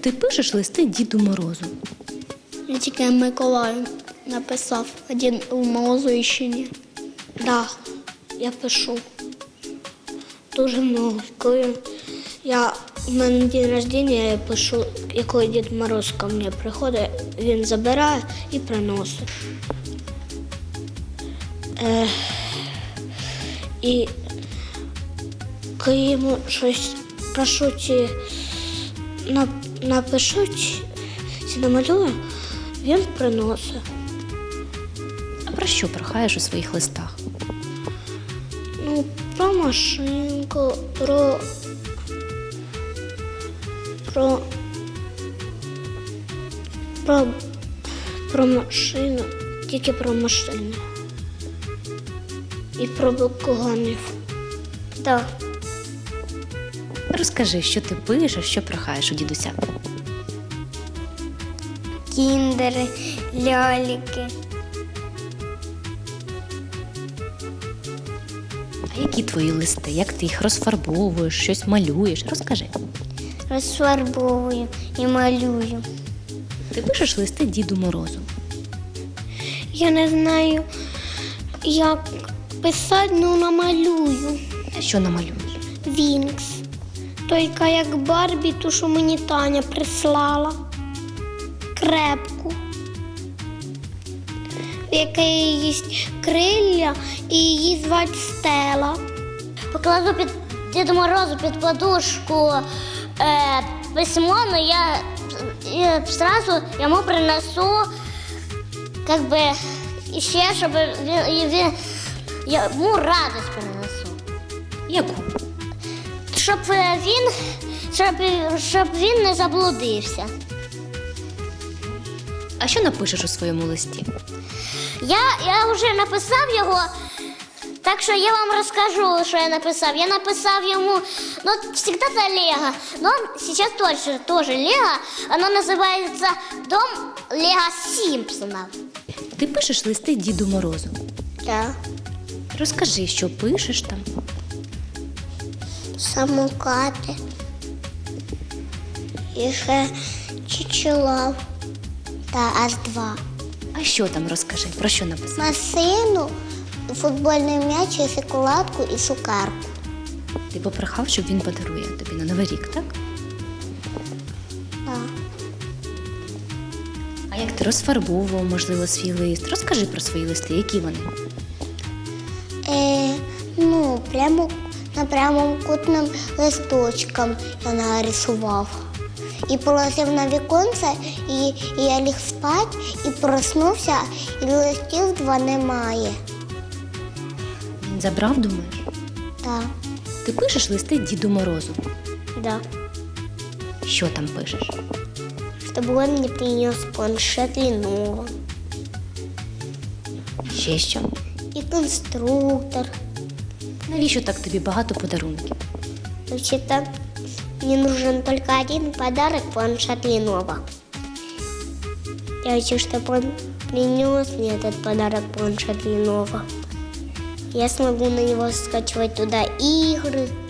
Ти пишеш листи Діду Морозу? Я тільки Миколаю написав, а Дід Морозу ще ні. Да, я пишу. Дуже много. Коли у мене день народження, я пишу, і коли Дід Мороз ко мені приходить, він забирає і приносить. І коли йому щось прошуть, напишуть, чи намалює, він приносить. А про що прохаєш у своїх листах? Ну, про машинку, про машину, тільки про машину. І про бакуганів. Так. Розкажи, що ти пишеш, що прохаєш у дідуся. Кіндери, ляльки. А які твої листи? Як ти їх розфарбовуєш, щось малюєш? Розкажи. Розфарбовую і малюю. Ти пишеш листи Діду Морозу. Я не знаю, як писати, ну намалюю. А що намалюєш? Вінкс. Тільки як Барбі, ту, що мені Таня прислала. Крепку. В якої є крилля і її звати Стела. Покладу під Діду Морозу під подушку письмо, але я одразу йому принесу, ще, щоб він йому радість принесу. Яку? Щоб він не заблудився. А що напишеш у своєму листі? Я вже написав його, так що я вам розкажу, що я написав. Я написав йому, завжди це Лего, но сейчас точно тоже Лего. Оно називається «Дом Лего Сімпсонов». Ти пишеш листи Діду Морозу. Так. Розкажи, що пишеш там. Самокати. І ще чучелав. Та аж 2. А що там розкажи? Про що написав? Масину, футбольний м'яч, і шоколадку і цукерку. Ти попрохав, щоб він подарує тобі на Новий рік, так? Так. А як ти розфарбовував, можливо, свій лист? Розкажи про свої листи, які вони? Прямо на прямокутним листочком я нарисував. І положив на віконце, і я ліг спати, і проснувся, і листів 2 немає. Він забрав, думаєш? Так. Ти пишеш листи Діду Морозу. Да. Що там пишеш? Щоб він мені приніс планшет Lenovo. Ще що? І конструктор. Навіщо так тобі багато подарунків? Вообще-то мне нужен только один подарок – планшет Lenovo. Я хочу, чтобы он принес мне этот подарок – планшет Lenovo. Я смогу на него скачивать туда игры,